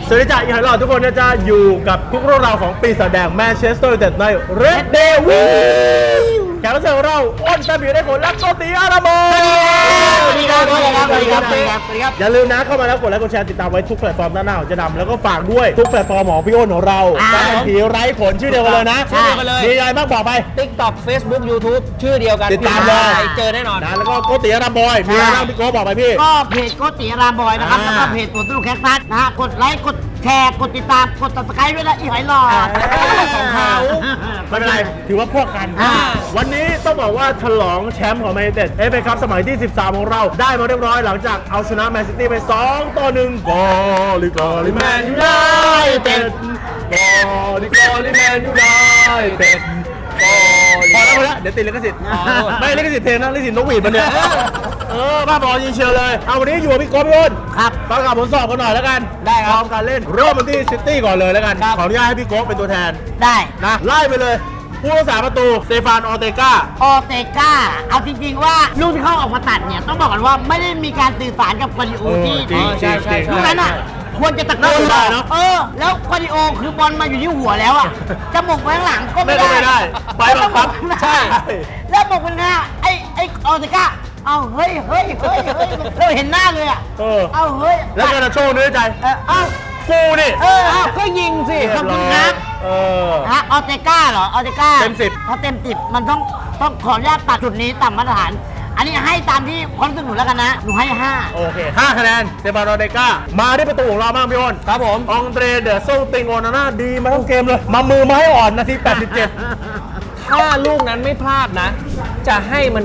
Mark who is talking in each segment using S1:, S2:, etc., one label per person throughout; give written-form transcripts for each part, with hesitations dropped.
S1: สวัสดีจ้าอีกหลายรอบทุกคนนะจ๊ะอยู่กับทุกเรื่องราวของปีศาจแดงแมนเชสเตอร์ยูไนเต็ดในเรดเดวิลแขกรับเชิญของเราอ้นตาบีได้ผลและโกติอาราโม
S2: สวัสดีครับสวัสดีครับ
S1: อย่าลืมนะเข้ามาแล้วกดไลค์กดแชร์ติดตามไว้ทุกแพลตฟอร์มด้านหน้าของจะดำแล้วก็ฝากด้วยทุกแพลตฟอร์มของพี่อ้นของเราการผีไร้ผลชื่อเดียวกันเลยนะ
S2: ชื่อเดียวกันเลย
S1: มีอะไรบ้างบอกไป
S2: TikTok Facebook YouTube ชื่อเดียวกัน
S1: ติดตามเลย
S2: เจอแน่นอน
S1: นะแล้วก็โกติอาราโมมีอะไรบ้างพี่โก้บอกไปพี่
S3: ก็เพจโกติรามบอยนะครับแล้วก็เพจตัวตู้แคคตัสนะฮะกดไลค์กดแชร์กดติดตามกดติดตามด้วยนะอีหอยหลอด
S1: ของเขาไม่เป็นไรถือว่าพวกกันวันนี้ต้องบอกว่าฉลองแชมป์ของแมนยูไนเต็ดเอฟเอคัพสมัยที่13ของเราได้มาเรียบร้อยหลังจากเอาชนะแมนซิตี้ไป2-1กอลิแมนยูไนเต็ดกอลิแมนยูไนเต็ดพอแล้วเดี๋ยวติดลิขสิทธิ์ไม่ลิขสิทธิ์เพลงนะลิขสิทธิ์นกหวีดมันเนี่ยบ้าบอยิงเชียวเลยเอาวันนี้อยู่กับพี่โก้พี่อ้น
S3: ครับ
S1: ประกาศผลสอบกันหน่อยแล้วกัน
S3: ได้ครับ
S1: พร้อมการเล่นเริ่มกันที่ซิตี้ก่อนเลยแล้วกันขออนุญาตให้พี่โก้เป็นตัวแทน
S3: ได้
S1: นะไล่ไปเลยผู้รักษาประตูสเตฟานออเตก้า
S3: เอาจริงๆว่าลูกที่เขาออกมาตัดเนี่ยต้องบอกกันว่าไม่ได้มีการสื่อสารกับควาดิโอที่
S1: ใช่
S3: ลูกนั้นอ่ะควรจะตะโกน
S1: ได้เนาะ
S3: แล้วควาดิโอคือบอลมาอยู่ที่หัวแล้วอ่ะจะหมกไว้ข้างหลังก็ไม่ได้
S1: ไปบังคับ
S3: ใช่แล้วหมกมันหน้าไอ้ออเตก้าเอาเฮ้ยเราเห็นหน้าเลยอ่ะเอาเฮ้ย
S1: แล้วก็จะโชว์เนื้อใจ
S3: เอา
S1: กูนี่
S3: ก็ยิงสิขอบคุณครับออเตก้าเหรอออเตก้า
S1: เต็ม10
S3: เขาเต็ม10มันต้องขออนุญาตตัดจุดนี้ต่ำมาตรฐานอันนี้ให้ตามที่ความรู้สึกหนูแล้วกันนะหนูให้5
S1: โอเค5คะแนนสเตฟานออเตก้ามาที่ประตูของเราบ้างพี่อ้น
S2: ครับผม
S1: องเดรเดอร์โซติงโอนาน่าดีมาทั้งเกมเลยมามือไม้อ่อนนาที87
S2: ถ้าลูกนั้นไม่พลาดนะจะให้มัน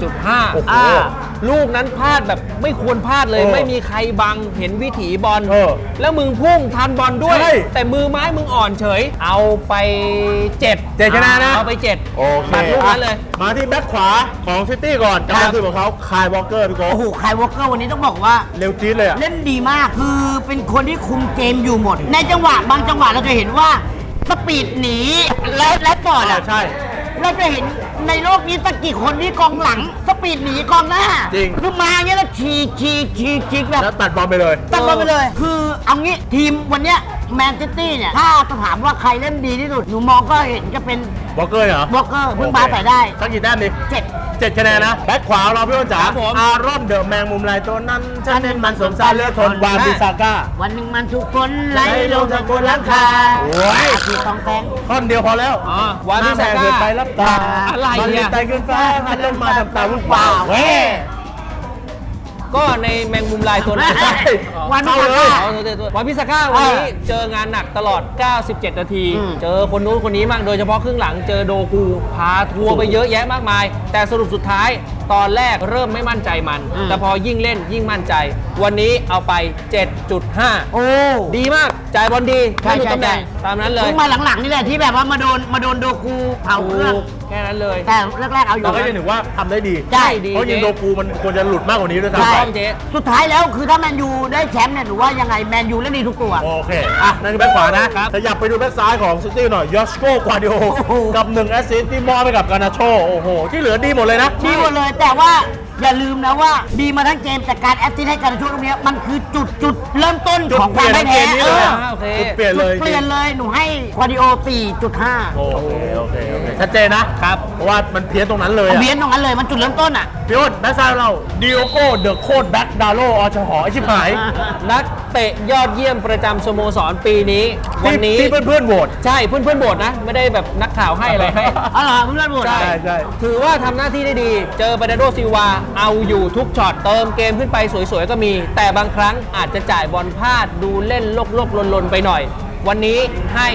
S2: 8.5 ลูกนั้นพลาดแบบไม่ควรพลาดเลยไม่มีใครบังเห็นวิถีบอลแล้วมึงพุ่งทันบอลด้วยแต่มือไม้มึงอ่อนเฉยเอาไป7
S1: คะแนนนะ
S2: เอาไป7
S1: โอเค
S2: ตัดลูกนั้นเลย
S1: มาที่แบ็คขวาของซิตี้ก่อนการคือของเขาคายวอลเกอร์พี่โก้
S3: โอ้โหคายวอลเกอร์วันนี้ต้องบอกว่า
S1: เร็วจี๊ดเลยอะ
S3: เล่นดีมากคือเป็นคนที่คุมเกมอยู่หมดในจังหวะบางจังหวะเราจะเห็นว่าสปีดหนีแล้วต่ออ่ะ
S1: ใช่
S3: เราจะเห็นในโลกนี้ตะกี่คนที่กองหลังสปีดหนีกองหน้า
S1: จริง
S3: คือมาเงี้ยแล้วฉีกแบบ
S1: แล้วตัดบอลไปเลย
S3: คือเอางี้ทีมวันเนี้ยแมนซิตี้เนี่ยถ้าจะถามว่าใครเล่นดีที่สุดหนูมองก็เห็นจะเป็น
S1: วอลเกอร์เหรอ
S3: วอลเกอร์เพิ่งมาใส่ได้
S1: สักกี่แต้มดิ7คะแนนนะแบ็คขวาเราพี่อ้นจ๋าอารอนเดอะแมงมุมลายตัวนั้นฉันเน้นมันสมสารเลือดทนวานบิซาก้า
S3: วันหนึ่งมันทุกคนไหลลงจากบนหลังคา
S1: โอ้ย
S3: คือต้องแทง
S1: ท่อนเดียวพอแล้ว
S2: วานบิซาก้า
S1: เกิดไปรับตา
S2: อะไรเนี่ย
S1: ตายขึ้นฟ้าหันลงมาทำตาวุ่นวายเว้
S2: ก็ในแมงมุมลายตัวนั้น
S3: วัน
S2: พิซาก้าวันพิซาก้าวันนี้เจองานหนักตลอด97นาทีเจอคนนู้นคนนี้มั่งโดยเฉพาะครึ่งหลังเจอโดกูพาทัวร์ไปเยอะแยะมากมายแต่สรุปสุดท้ายตอนแรกเริ่มไม่มั่นใจมันแต่พอยิ่งเล่นยิ่งมั่นใจวันนี้เอาไป 7.5
S3: โอ้
S2: ดีมากจ่ายบอลดีไม่มีตำแหน่งตามนั้นเลย
S3: มาหลังๆนี่แหละที่แบบว่ามาโดนโดกูเผาเครื่อง
S2: แค่นั้นเลย
S3: แต่แรกๆเอาอยู่
S1: เราก็จะถือว่าทำได้ดี
S3: ใช่
S1: เพราะยิงโดกูมันควรจะหลุดมากกว่านี้ด้วยซ้
S3: ำสุดท้ายแล้วคือถ้าแมนยูได้แชมป์เนี่ยหนูว่ายังไงแมนยูเล่นดีทุกตัว
S1: โอเคนั่นคือแบ็คขวานะขยับไปดูแบ็คซ้ายของซิตี้หน่อยยอสโกกวาดิโอกับ1แอสซิสต์ที่มอบไปกับกานาโชโอ้โหที่เหลือดีหมดเลยนะ
S3: ดีหมดเลยแต่ว่าอย่าลืมนะว่าดีมาทั้งเกมแต่การแอสซิสต์ให้การช่วงตรงนี้มันคือจุดเริ่มต้นของการได้แพ้
S1: เปลี่ยน
S3: เลยหนูให้ควาดิโอ 4.5
S1: โอเคชัดเจนนะครับเพราะว่ามันเพี้ยนตรงนั้นเลย
S3: เพี้ยนตรงนั้นเลยมันจุดเริ่มต้นอ่ะ
S1: พี่อ้นแบ็คซ้ายเราดิโอโก้เดอะโคดแบ็คดาโลอชหอไอชิบหาย
S2: นักเตะยอดเยี่ยมประจำสโมสรปีนี้วันนี้
S1: ที่เพื่อนโหวต
S2: ใช่เพื่อนโหวตนะไม่ได้แบบนักข่าวให้อะไรให้
S3: อ๋อเหรอเพื่อนโหวต
S1: ใช่
S2: ถือว่าทำหน้าที่ได้ดีเจอบาร์นาโดซิลวาเอาอยู่ทุกช็อตเติมเกมขึ้นไปสวยๆก็มีแต่บางครั้งอาจจะจ่ายบอลพลาดดูเล่นลกๆลนๆไปหน่อยวันนี้ให้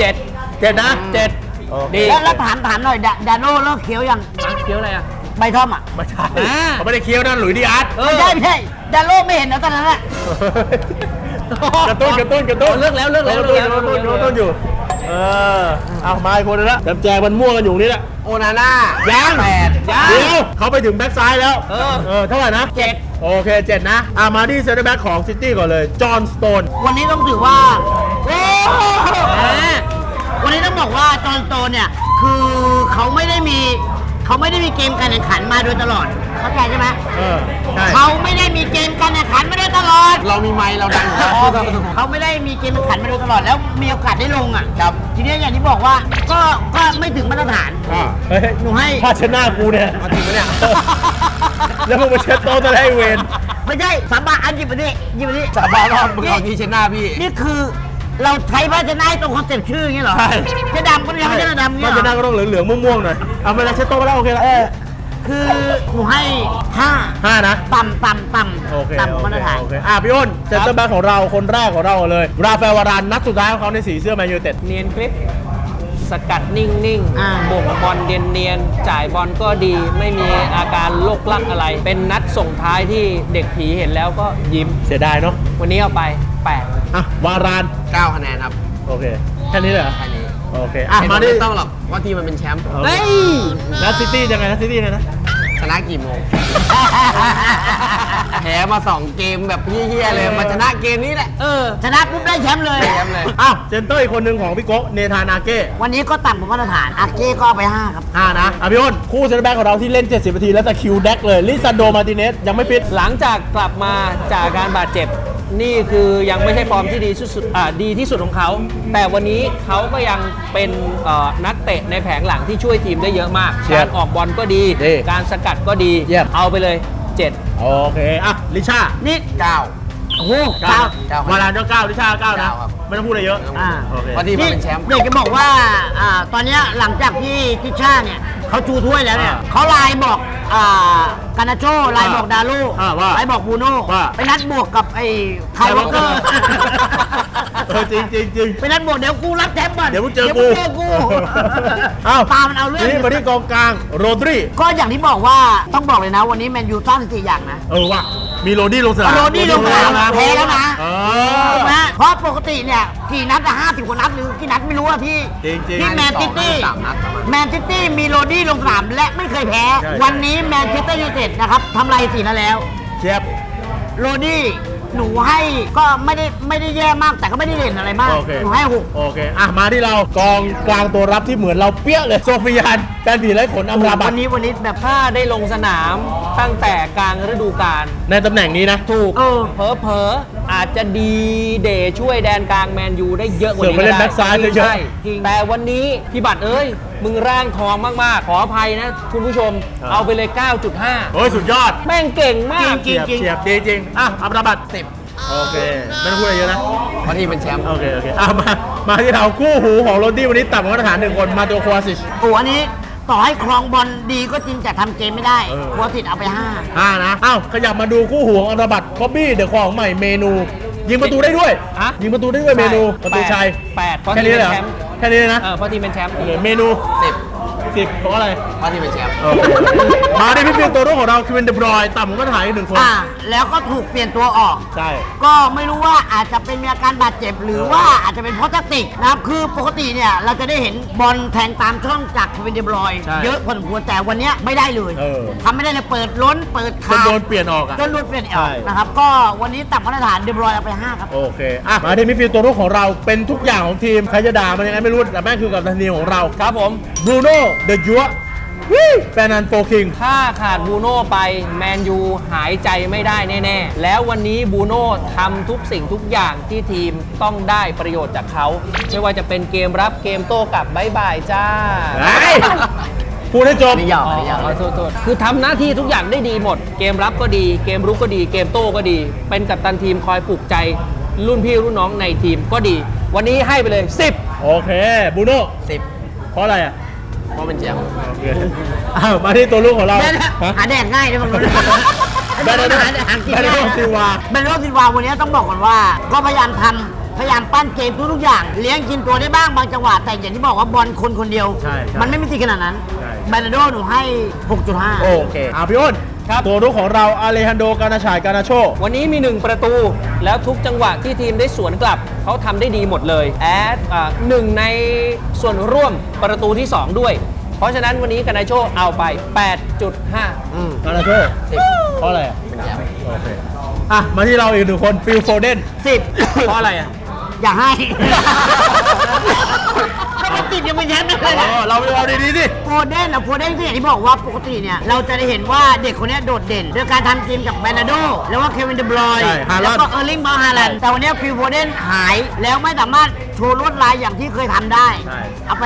S2: 7
S1: นะ
S3: 7ดีแล้วถามหน่อยดาโน่เลิกเคี้ยวยัง
S2: เคี้ยวอะไรอ่ะ
S3: ใบท่อมอ่ะ
S1: ไม่ใช่เขาไม่ได้เคี้ยวนั่นหลุยส์ดิอาร์ต
S3: ไม่ใช่ดาโน่ไม่เห็นนะตอนนั้นแหละ
S1: กระตุ้น
S2: เลิกแล้ว
S1: อยู่เอามาอีกคนนึงละแจกมันม่วงกันอยู่นี่แหละ
S2: โอนาน่า
S1: ยังเดี๋ยวเขาไปถึงแบ็คซ้ายแล้วเท่าไหร่นะ
S2: 7
S1: โอเค7นะมาที่เซนเตอร์แบ็คของซิตี้ก่อนเลยจอห์นสโตน
S3: วันนี้ต้องถือว่าวันนี้ต้องบอกว่าจอห์นสโตนเนี่ยคือเขาไม่ได้มีเกมการแข่งขันมาโดยตลอดเข้าใจใช่ไหม
S1: ใช่
S3: เขาไม่ได้มีเกมการแข่งขันมาโดยตลอด
S2: เรามีไมค์เราดัง
S3: เขาไม่ได้มีเกมแข่งขันมาโดยตลอดแล้วมีโอกาสได้ลงอ่ะ
S2: ครับ
S3: ทีนี้อย่างที่บอกว่าก็ไม่ถึงมาตรฐาน
S1: เฮ้ย
S3: หนูให้
S1: ผ้าเช็ดหน้ากูเนี่ย
S2: เอาจริงปะเนี่ย
S1: แล้วมึงมาเช็ดโต๊ะจะได้เวร
S3: ไม่ใช่สาบานอันหยิบมาดิหยิบมาดิ
S2: สาบานว่ามึงเอาที่เช็ดหน้าพี่
S3: นี่คือเราใช้ผ้าเช็ดหน้าให้ตรงคอนเซ็ปต์ชื่ออย่างเงี้ยเหรอ
S1: ใช่
S3: เช็ดดำก็ยังไม่ใช่ดำอย่าง
S1: ผ้า
S3: เงี้ย
S1: เช็ดห
S3: เหร
S1: น้า
S3: อ
S1: ก็ต้องเหลืองๆม่วงๆหน่อยเอาเวลาเช็ดโต๊ะไปแล้วโอเคแล้ว
S3: คือหนูให้5
S1: 5นะ
S3: ต่ำ
S1: โอเค
S3: ต่ำมาตรฐาน
S1: โอเคพี่อ้นเซนเตอร์แบ็คของเราคนแรกของเราเลย ราฟาเอลวารานนัดสุดท้ายของเขาในสีเสื้อแมนยูไนเต็ด
S2: เนียนคลิป สกัดนิ่ง
S3: อ่า
S2: ๆบ่งบอลเนียนๆจ่ายบอลก็ดี ไม่มีอาการโลกลักอะไร เป็นนัดส่งท้ายที่เด็กผีเห็นแล้วก็ยิ้ม
S1: เสียดายเนาะ
S2: วันนี้เอาไป 8
S1: อ่ะวาราน
S2: 9 คะแนนครับ
S1: โอเคแค่นี้เลยเหรอ
S2: แค่นี้
S1: โอเคอ่ะมาดิ
S2: ไม่ต้องหรอกว่าทีมมันเป็นแชมป์
S3: เฮ้ย
S1: นัดซิตี้ยังไงนัดซิตี้นะ
S2: ชนะกี่โมง แพ้มา 2 เกมแบบเฮี้ยๆเลย มาชนะเกมนี้แหละ
S3: ชนะปุ๊บได้แชมป์เลย
S2: ได้แชมป์เลย
S1: อ้าวเซนเตอร์อีกคนหนึ่งของพี่โก้เนธานาเก้
S3: วันนี้ก็ต่ำกว่ามาตรฐานอาเก้ก็เอาไป 5 ครับ
S1: 5นะพี่อ้นคู่เซนเตอร์แบ็คของเราที่เล่น 70 นาทีแล้วแต่คิวแดกเลยลิซันโดมาร์ติเนสยังไม่ฟิต
S2: หลังจากกลับมาจากการบาดเจ็บ นี่คือยังไม่ใช่ฟอร์มที่ดีที่สุดดีที่สุดของเขา แต่วันนี้เขาก็ยังเป็นนักเตะในแผงหลังที่ช่วยทีมได้เยอะมาก
S1: เชี่ย
S2: การออกบอลก็ดี
S1: ดี
S2: การสกัดก็ดี
S1: เยี่ยม
S2: เอาไปเลย 7
S1: โอเคอ่ะลิชา
S3: นี่
S2: 9
S3: โอ้โห
S1: เก้า
S3: เก้า
S1: วารานก็9ลิชา9นะ
S2: 9ครับ
S1: ไม่ต้องพูดอะไรเยอะ
S3: อ่า
S1: โอเค
S2: พอดีมันเป็นแชมป์
S3: เด็กจะบอกว่าตอนเนี้ยหลังจากที่ทิชชาเนี่ยเขาชูถ้วยแล้วเนี่ย
S1: อ่า
S3: เขาไลน์บอกกานาโชไลน์บอกดาลู
S1: ว่า
S3: ไลน์บอกบูโน่
S1: ว่า
S3: ไปนัดบวกกับไอ้ไคลวอลเกอร์
S1: จริงจริงจริง
S3: ไปนัดบวกเดี๋ยวกูรับแชมป์ก่อน
S1: เดี๋ยวมึงเจอ
S3: มึงเจอกู
S1: อ้าว
S3: ตามมันเอาเรื่อง
S1: นี่มาที่กองกลางโรดริ
S3: ก็อย่างที่บอกว่าต้องบอกเลยนะวันนี้แมนยูสร้างสถิติอย่างนะ
S1: ว่ะมีโรดี้ลงสนาม
S3: โรดี้ลงสนามแพ้แล้วนะ
S1: เอ
S3: ถู
S1: อก
S3: ไหมเพราะปกติเนี่ยกี่นัดอะ50 กว่านัดหรือกี่นัดไม่รู้อะที่
S1: จริงๆ
S3: ที่แมนซิตี้
S2: 52นัดประมาณ
S3: แมนซิตี้มีโรดี้ลงสนามและไม่เคยแพ้
S1: ใช่
S3: วันนี้แมนเชสเตอร์ยูไนเต็ดนะครับทำลายสีนัดแล้ว
S1: เชียบ
S3: โรดี้หนูให้ก็ไม่ได้แย่มากแต่ก็ไม่ได้เด่นอะไรมาก
S1: โอเค
S3: หนูให้
S1: โอเคอ่ะมาที่เรากองกลางตัวรับที่เหมือนเราเปี้ยเลยโซฟิยานแฟนผีไร้ขนอัมราบั
S3: วั
S1: ต
S3: นนี้แบบ
S2: ถ้าได้ลงสนามตั้งแต่กลางฤดูกาล
S1: ในตำแหน่งนี้นะ
S2: ถูก
S3: เออ
S2: เผลอๆอาจจะดีเดย์ช่วยแดนกลางแมนยูได้เยอะกว่านี้
S1: เสือกไปเล่น
S2: ก็ได้
S1: แบ็คซ้ายเยอะๆ
S2: ใช่แต่วันนี้พี่บัตรเอ้ย มึงร่างทองมากๆ ขออภัยนะคุณผู้ชม เอาไปเลย 9.5
S1: โอ้ยสุดยอด
S2: แม่งเก่งมาก
S3: จริง
S1: เฉียบดีจริงอ่ะอัมราบัต
S2: 10
S1: โอเคไม่ต้องพูดอะไรเยอะนะ
S2: เพราะทีมเป็นแชมป์
S1: โอเคอ่ะมาที่เราคู่หูของโรดี้วันนี้ต่ำกว่ามาตรฐาน1 คนมาตัวโควาซิช
S3: โอ้อันนี้ต่อให้ครองบอลดีก็จริงแต่ทำเกมไม่ได้
S1: เออ
S3: หัวติดเอาไป
S1: 5นะอ้าวขยับมาดูคู่หูของอัมราบัตคอบบี้เดอะของใหม่เมนู ยิงประตูได้ด้วย
S2: ฮะ
S1: ยิงประตูได้ด้วยเมนูประตูชัย
S2: 8เพราะ
S1: แค่
S2: ทีม
S1: นี้
S2: เป็
S1: เลยเหรอ
S2: นแชมป์
S1: แค่นี้เลยนะ
S2: เพราะทีมเป็นแชมป์
S1: โอเคเมนู 10เพราะอะไร
S2: เพราะทีมเป็นแชมป์
S1: โอเคมาที่พี่ฟิลตัวรุ่งของเราคิวินเดบรอยน์ต่ำกว่ามาตรฐานอีก1 คน
S3: แล้วก็ถูกเปลี่ยนตัวออก
S1: ใช่
S3: ก็ไม่รู้ว่าอาจจะเป็นมีอาการบาดเจ็บหรือว่าอาจจะเป็นเพราะแทคติกนะครับคือปกติเนี่ยเราจะได้เห็นบอลแทงตามช่องจากเควินเดบรอยน์
S1: ใช่
S3: เยอะพอสมควรแต่วันเนี้ยไม่ได้เลย
S1: เออ
S3: ทำไม่ได้เลยเปิดล้นเปิด
S1: จน
S3: ขาด
S1: โดนเปลี่ยนออกอ่ะ
S3: จนโดนเปลี่ยนอ
S1: ใช่
S3: อกนะครับก็วันนี้ต่ำมาตรฐานเดบรอยน์เอาไป 5 ครับ
S1: โอเคอ่ะมาที่มิดฟิลด์ตัวรุ่งของเราเป็นทุกอย่างของทีมใครจะด่ามันยังไงไม่รู้แต่แม่งคือกับทันทีมของเรา
S2: ครับผม
S1: บรูโน่เดอะยัวแฟนนันโฟคิง
S2: ถ้าขาดบูโน่ไปแมนยูหายใจไม่ได้แน่ๆ แล้ววันนี้บูโน่ทำทุกสิ่งทุกอย่างที่ทีมต้องได้ประโยชน์จากเขา ไม่ว่าจะเป็นเกมรับเกมโต้กลับบายบายจ้า
S1: พูดให้จบ
S3: ไม่ยอม
S2: โทษคือทำหน้าที่ทุกอย่างได้ดีหมด เกมรับก็ดี เกมรุกก็ดี เกมโต้ก็ดี เป็นกัปตันทีมคอยปลุกใจ รุ่นพี่รุ่นน้องในทีมก็ดี วันนี้ให้ไปเลย 10
S1: โอเคบรูโน่
S2: 10
S1: เพราะอะไรอ่ะ
S2: เพราะเป็นแชมป์
S1: โอเคอ้าวมาที่ตัวลูกของเรา
S3: แม่นะ
S1: ฮะ
S3: หาแดกง่ายด้วยมึงรู้
S1: แบนโด
S3: หากิน
S1: แบนโด
S3: ง่าย
S1: ซิลวา
S3: แบนโดซิลวาวันนี้ต้องบอกก่อนว่า ก็พยายามทำพยายามปั้นเกมทุกๆอย่าง เลี้ยงกินตัวได้บ้างบางจังหวะแต่อย่างที่บอกว่าบอลคนเดียว
S1: ใช่
S3: มันไม่มีติขนาดนั้น
S1: ใช่
S3: แบนโดหนูให้ 6.5
S1: โอเคพี่อ้น
S2: ครับ
S1: ตัวลูกของเราอาเลฮันโดกานาชายกานาโช
S2: วันนี้มี 1 ประตู แล้วทุกจังหวะที่ทีมได้สวนกลับ เขาทำได้ดีหมดเลยแอดหนึ่งในส่วนร่วมประตูที่ 2 ด้วย เพราะฉะนั้นวันนี้กานาโชเอาไป 8.5
S1: กานาโช เพราะอะไรอ่ะ
S2: เป็นแชมป์
S1: โอเคอ่ะมาที่เราอีก1 คนฟิลโฟเดน
S3: 10
S2: เพราะอะไรอ่ะ
S3: อย่าให้
S1: เ
S3: ก็ติดยังเป็นแชมป์เลย
S1: เราไปเอาดีๆสิ
S3: โฟเดนก็อย่างที่บอกว่าปกติเนี่ยเราจะได้เห็นว่าเด็กคนเนี้ยโดดเด่นด้วยการทำทีมกับแบรนาโดแล้วว่าเควินเดบรอยน์
S1: ใช่ฮาลันด์
S3: แล้วก็เออร์ลิงบราวน์ฮาแลนด์แต่วันเนี้ยฟิลโฟเดนหายแล้วไม่สามารถโชว์ลวดลายอย่างที่เคยทำได้ เอาไป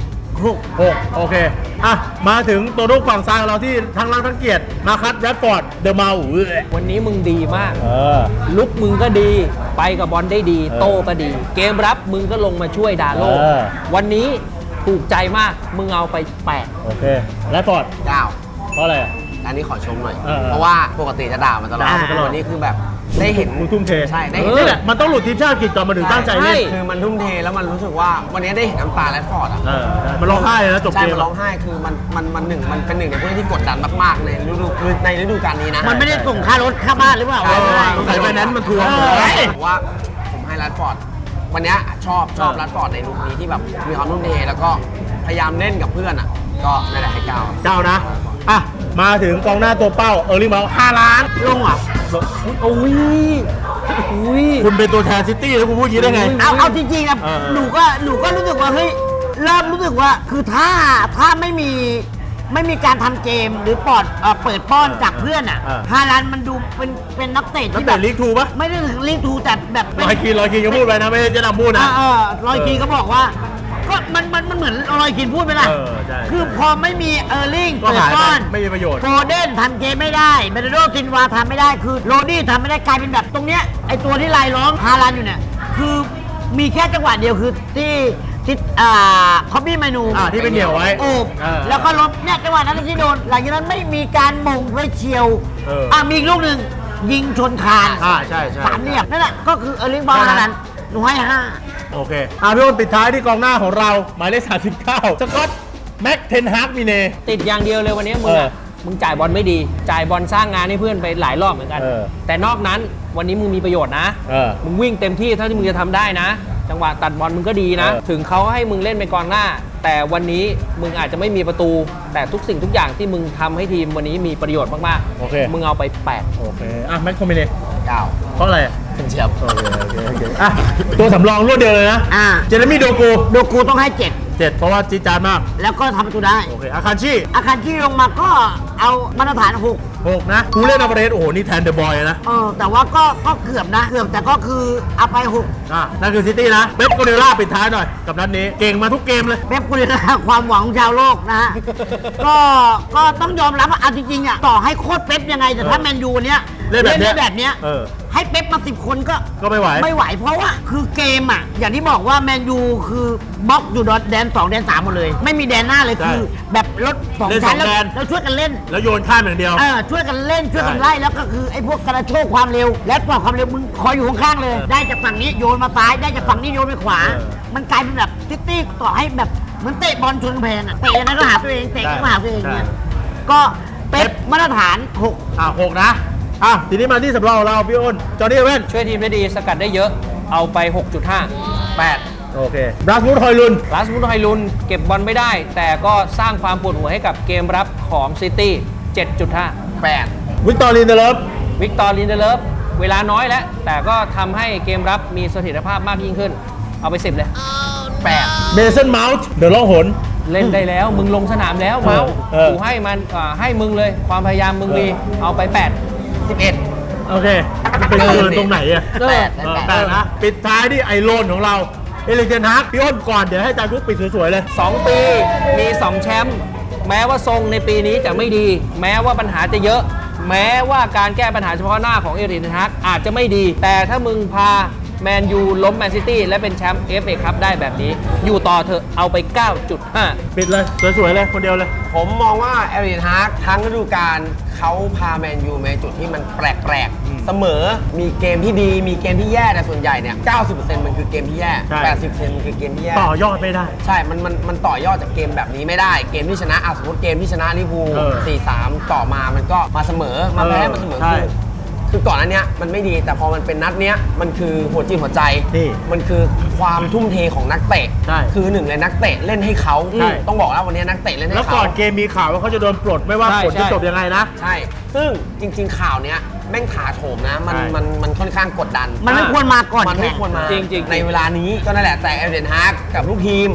S3: 6
S1: โอเค อ่ะ มาถึงตัวลูกฝั่งซ้ายของเราที่ทั้งรักทั้งเกียรติมาคัดแรดฟอร์ด เดอะเมา
S2: วันนี้มึงดีมาก
S1: เออ
S2: ลุกมึงก็ดี ไปกับบอลได้ดี
S1: เออ
S2: โต้ก็ดี เกมรับมึงก็ลงมาช่วยดาโล
S1: เออ
S2: วันนี้ถูกใจมาก มึงเอาไป
S1: โอเค แรดฟอร์ด
S4: 9
S1: เพราะอะไรอ่ะ
S4: อันนี้ขอชมหน่อย
S1: เออ
S4: เพราะว่าปกติจะด่ามันตลอด
S1: ด่ามันตลอด
S4: วันนี้คือแบบได้เห็น
S1: มึงทุ่มเท
S4: ใช่ได้
S2: เอ
S4: เห็น
S2: อ
S1: นี่แหละ มันต้องหลุดทีมชาติอังกฤษก่อนมาถึงตั้งใจเล่น
S2: ใช่
S4: คือมันทุ่มเทแล้วมันรู้สึกว่าวันนี้ได้เห็นน้ำตาแรดฟอร์ดอ่ะ
S1: เออ มันร้องไห้เลยนะจบ
S4: ใช่
S1: เกม
S4: มันร้องไห้คือมันหนึ่งมันเป็นหนึ่งในผู้เล่นที่กดดันมากๆในฤดูกาลนี้นะ
S3: มันไม่ได้ส่งค่ารถค่าบ้านหรือเปล่า
S4: ใช่
S1: ใส่ไฟแนนซ์มันทวง
S4: ผมว่าผมให้แรดฟอร์ดวันนี้ชอบแรดฟอร์ดในลุคนี้ที่แบบมีความทุ่มเทแล้วก็พยายามเล่นกับเพื่อนอ่ะก็นั่นแหละให้9
S1: เจ้านะ อ่ะ มาถึงกองหน้าตัวเป้า เออร์ลิงเมา5 ล้าน
S3: ลงเหรอ
S2: อุ้ย
S1: คุณเป็นตัวแทนซิตี้แล้วคุณพูดอย่างนี้ได้ไง
S3: เอาจริงๆนะ
S1: เออ
S3: หนูก็รู้สึกว่าเฮ้ยเริ่มรู้สึกว่าคือถ้าไม่มีการทำเกมหรือเปิดป้อนจากเพื่อนอ่ะฮาลันด์มันดูเป็นนักเตะ
S1: นัก
S3: ที่แบ
S1: เตะ
S3: บ
S1: ลีกทูปะ
S3: ไม่ได้ถึงลีกทูแต่แบบ
S1: ลอยคีนก็พูดไปนะ ไม่ได้จะนำพูดนะ
S3: ลอยคีนก็บอกว่าก็มันเหมือนลอยคีนพูดไปละ
S1: เออใช่
S3: คือพอไม่มีเออร์ลิง
S1: ก็
S3: เปิด
S1: หายไป
S3: ป้อน
S1: ไม่มีประโยชน์
S3: โฟเดนทำเกมไม่ได้เบรโดซินวาทำไม่ได้คือโรดี้ทำไม่ได้กลายเป็นแบบตรงเนี้ยไอตัวที่ลายล้อมฮาลันด์อยู่เนี่ยคือมีแค่จังหวะเดียวคือที่คอปปี้เมนู
S1: ที่ไปเหนี่ยวไว้
S3: โอบ
S1: เออ
S3: แล้วก็ลบเนี่ยจังหวะนั้นที่โดนหลังจากนั้นไม่มีการมงไว้เฉียว
S1: เออ
S3: มีอีกลูกหนึ่งยิงชนคาน
S1: ใช่
S3: สามเหลี่ยมนั่นแหละก็คือเออร์ลิงบอลนั้นหนูให้5
S1: โอเค พี่อ้นปิดท้ายที่กองหน้าของเรา หมายเลข39 สกอต แม็กเทนฮากมีเน
S2: ติดอย่างเดียวเลยวันนี้มึง
S1: เออ
S2: อะมึงจ่ายบอลไม่ดี จ่ายบอลสร้างงานให้เพื่อนไปหลายรอบเหมือนกัน
S1: เออ
S2: แต่นอกนั้นวันนี้มึงมีประโยชน์นะ
S1: เออ
S2: มึงวิ่งเต็มที่เท่าที่มึงจะทำได้นะ จังหวะตัดบอลมึงก็ดีนะ
S1: เออ
S2: ถึงเขาให้มึงเล่นเป็นกองหน้า แต่วันนี้มึงอาจจะไม่มีประตู แต่ทุกสิ่งทุกอย่างที่มึงทำให้ทีมวันนี้มีประโยชน์มาก
S1: โอเค
S2: มึงเอาไป 8
S1: โอเค แม็กโทมิเน
S4: 9
S1: เพราะอะไร
S4: เป็นเชียบ
S1: โอเคตัวสำรองรวดเดียวเลยนะ เจเรมี่โดกู
S3: โดกูต้องให้
S1: 7 เพราะว่าจีดจานมาก
S3: 7 แล้วก็ทำประตูได้
S1: โอเค อาคารชี่
S3: อาคารที่ลงมาก็เอามาตรฐาน
S1: 6 นะกูเล่นอัปเดตโอ้โห นี่แทนเดอะบอยนะ
S3: แต่ว่าก็เกือบนะ เกือบแต่ก็คือเอาไป
S1: นั่นคือซิตี้นะ เป๊ปโกเดล่าปิดท้ายหน่อย กับนัดนี้ เก่งมาทุกเกมเลย
S3: 6เป๊ปกุลาความหวังของชาวโลกนะฮะ ก็ต้องยอมรับว่าเอาจริงๆอ่ะต่อให้โค้ชเป๊ปยังไง แต่ถ้าแมนยูเนี้ย
S1: เล่นแบบเนี้ย
S3: ได้แบบเนี้ย
S1: เออ
S3: ให้เป๊ปมา10 คนก็
S1: ก็ไม่ไหว
S3: ไม่ไหว เพราะว่าคือเกมอ่ะ อย่างที่บอกว่าแมนยูคือบล็อกอยู่แดน 2 แดน 3 หมดเลย ไม่มีแดนหน้าเลย
S1: ใช่
S3: คือแบบรถสอง
S1: เล่น
S3: ชั้น
S1: สองแดน
S3: แล้วช่วยกันเล่น
S1: แล้วโยนข้ามอย่างเดียว
S3: ช่วยกันเล่นช่วยกัน
S1: ใช่
S3: ไล่แล้วก็คือไอ้พวกกระโชกความเร็ว และปล่อยความเร็วมึงคอยอยู่ข้างๆเลย ได้จากฝั่งนี้โยนมาซ้ายได้จากฝั่งนี้โยนไปขวา มันกลายเป็นแบบซิตี้ต่อให้แบบเหมือนเตะบอลชนกำแพงอะเตะนั้นก็หาตัวเองเตะก็หาตัวเองเนี่ยก็เป๊ปมาตรฐาน
S1: 6 นะ ทีนี้มาที่สำรองของเราพี่อ้น จอร์ดี้เว่น
S2: ช่วยทีมได้ดีสกัดได้เยอะเอาไป 6.5
S1: โอเคบราสมูดฮอยลุน
S2: ลาสมุทไฮลุนเก็บบอลไม่ได้ แต่ก็สร้างความปวดหัวให้กับเกมรับของซิตี้ 7.5
S4: 8
S1: วิกตอรีนเดเลฟ
S2: วิกตอร์ลินเดเลฟเวลาน้อยแล้ว แต่ก็ทำให้เกมรับมีเสถียรภาพมากยิ่งขึ้น เอาไป 10 เลย
S4: 8
S1: เมสันเมาส์เดอะล่องหน
S2: เล่นได้แล้ว มึงลงสนามแล้วเมาส์
S1: เออ
S2: กูให้มันให้มึงเลย ความพยายามมึงมีเอาไป
S4: 11
S1: โอเคมันเป็นเกินตรงไหนอะ
S2: 8
S1: แต่นะ ปิดท้ายที่ไอโลนของเรา เอลิเจนฮาร์กพี่อ้นก่อน เดี๋ยวให้อาจารย์กุ๊กปิดสวยๆเลย
S2: 2 ปีมี 2 แชมป์แม้ว่าทรงในปีนี้จะไม่ดี แม้ว่าปัญหาจะเยอะ แม้ว่าการแก้ปัญหาเฉพาะหน้าของเอริกเทนฮากอาจจะไม่ดี แต่ถ้ามึงพาแมนยูล้มแมนซิตี้และเป็นแชมป์ FA ครับได้แบบนี้ อยู่ต่อเถอะเอาไป 9.5
S1: ปิดเลย สวยๆเลย คนเดียวเลย
S4: ผมมองว่าเอริกฮาร์กทั้งฤดูกาลเขาพาแมนยูในจุดที่มันแปลกๆ เสมอมีเกมที่ดีมีเกมที่แย่แต่ส่วนใหญ่เนี่ย 90% มันคือเกมที่แย่
S1: ใช่
S4: 80% มันคือเกมที่แย่
S1: ต่อยอดไม่ได้
S4: ใช่ มันต่อยอดจากเกมแบบนี้ไม่ได้ เกมที่ชนะสมมติเกมที่ชนะลิเวอร์พูล
S1: เออ
S4: 4-3 ต่อมามันก็มาเสมอ มาแพ้มาเสมอ
S1: ใช่
S4: คือก่อนอันเนี้ยมันไม่ดี แต่พอมันเป็นนัดเนี้ยมันคือหัวจิตหัวใจ
S1: นี่
S4: มันคือความทุ่มเทของนักเตะ
S1: ใช่
S4: คือหนึ่งเลยนักเตะเล่นให้เขา
S1: ใช่
S4: ต้องบอกแล้ววันนี้นักเตะเล่นให้
S1: แล้ว
S4: เขา
S1: ก่อนเกมมีข่าวว่าเขาจะโดนปลดไม่ว่า
S2: ใช่
S1: ผลจะ
S2: ใช่
S1: จบยังไงนะ
S4: ใช่ ซึ่งจริง ๆ ข่าวเนี้ยแม่งถาโถมนะ
S1: ใช่
S4: มันค่อนข้างกดดัน
S3: มันไม่ควรมาก่อน
S4: มันไม่ควรมา
S2: จริงๆ
S4: ในเวลานี้ก็นั่นแหละแต่เอเดนฮาร์กกับลูกทีม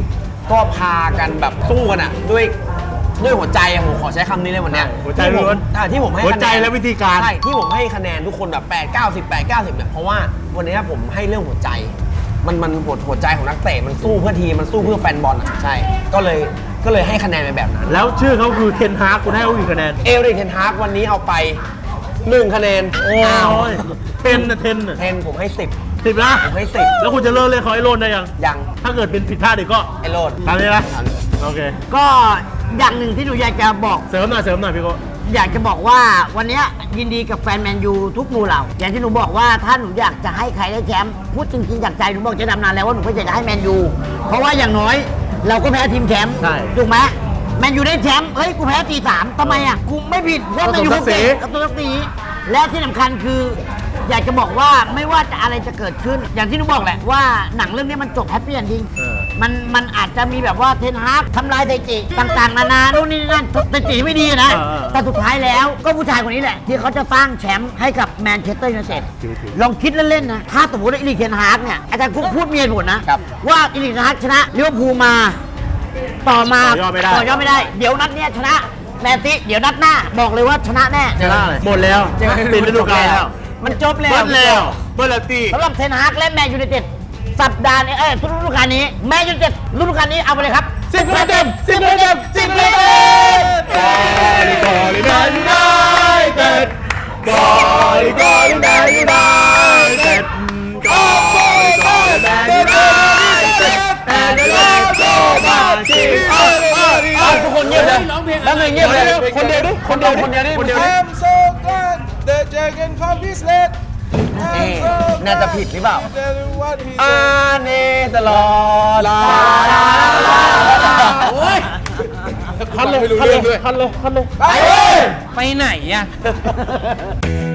S4: ก็พากันแบบสู้กันอะด้วยหัวใจอะผมขอใช้คำนี้เลยวันเนี้ย
S1: หัวใจล้วน
S4: ที่ผมให้
S1: หัวใจ
S4: คะนน
S1: และวิธีการ
S4: ใช่ที่ผมให้คะแนนทุกคนแบบ8 90 8 90เนี่ยเพราะว่าวันนี้ผมให้เรื่องหัวใจมันหัวใจของนักเตะมันสู้เพื่อทีมมันสู้เพื่อแฟนบอลอะใช่ก็เลยให้คะแนนไปแบบนั้น
S1: แล้วชื่อเขาคือเทนฮากคุณให้เขากี่คะแนน
S4: เอริกเทนฮากวันนี้เอาไป1คะแนน
S1: โอ้ยเทนนะเทนน่ะ
S4: เทนผมให้10
S1: 10นะ
S4: ผมให้10
S1: แล้วคุณจะเลิกเล่นเขาไอ้โลนได้ยัง
S4: ยัง
S1: ถ้าเกิดเป็นผิดพลาดอีกก็
S4: ไอโรด
S1: ตามนี้นะ
S4: ตามนี้
S1: โอเค
S3: ก็อย่างหนึ่งที่หนูอยากจะบอก
S1: เสริมหน่อยพี่โก้
S3: อยากจะบอกว่าวันเนี้ยยินดีกับแฟนแมนยูทุกหมู่เหล่าอย่างที่หนูบอกว่าถ้าหนูอยากจะให้ใครได้แชมป์พูดจริงๆจากใจหนูบอกจะดำนานแล้วว่าหนูก็อยากจะให้แมนยูเพราะว่าอย่างน้อยเราก็แพ้ทีมแชมป์
S1: ใช่
S3: ถูกไหมแมนยูได้แชมป์เฮ้ยกูแพ้4-3ทำไมอ่ะกูไม่ผิดเพราะแมนยูเขาเก่งกับตัวสีและที่สำคัญคือ อยากจะบอกว่าไม่ว่าจะอะไรจะเกิดขึ้น อย่างที่หนูบอกแหละว่าหนังเรื่องนี้มันจบแฮปปี้เอนดิ้ง มันอาจจะมีแบบว่าเทนฮากทำลายไดจิต่างๆนานานู่นนี่นั่นไดจิไม่ดีนะ แต่สุดท้ายแล้วก็ผู้ชายคนนี้แหละ ที่เขาจะสร้างแชมป์ให้กับแมนเชสเตอร์ยูไนเต็ดลองคิดเล่นๆนะ ถ้าสมมติว่าอีลิกเทนฮากเนี่ยอาจารย์กุ๊กพูดเมียหมดนะ ว่าอีลิกเทนฮากชนะลิเวอร์พูลมา ต่อมา
S1: ต่อยอดไม่ได้
S3: ต่อยอดไม่ได้ เดี๋ยวนัดเนี้ยชนะแมนซิเดี๋ยวนัดหน้าบอกเลยว่าชนะแน่
S1: ชนะเลยหมดแล้วปิดฤดูกาลแล้ว
S4: มันจบแล้ว
S1: เบิร์ดแล้วเบิร์ดแล้วตี
S3: สำหรับเทนฮากและแมนยูไนเต็ดสัปดาห์นี้ทุกฤดูกาลนี้แมนยูไนเต็ดฤดูกาลนี้เอาไปเลยครับ
S1: 10คะแนนเต็ม10คะแนนเต็ม10คะแนนเต็มกอลิแมนยูไนเต็ดกอลิแมนยูไนเต็ดกอลิแมนยูไนเต็ด and the love so much
S4: ทุกคนเงียบเลยแล้วเงียบเลยคนเดียวดิคนเดียวดิ
S5: I'm so glad that Jack can come this late.
S4: น่าจะผิดหรือเปล่า
S5: Tell you what he
S4: อาเนตลอดลา
S1: โอ้ยคันเลย
S5: ไม่รู้เรื่องด้วย
S1: คันเลย
S2: ไปไหนอ่ะ
S5: said.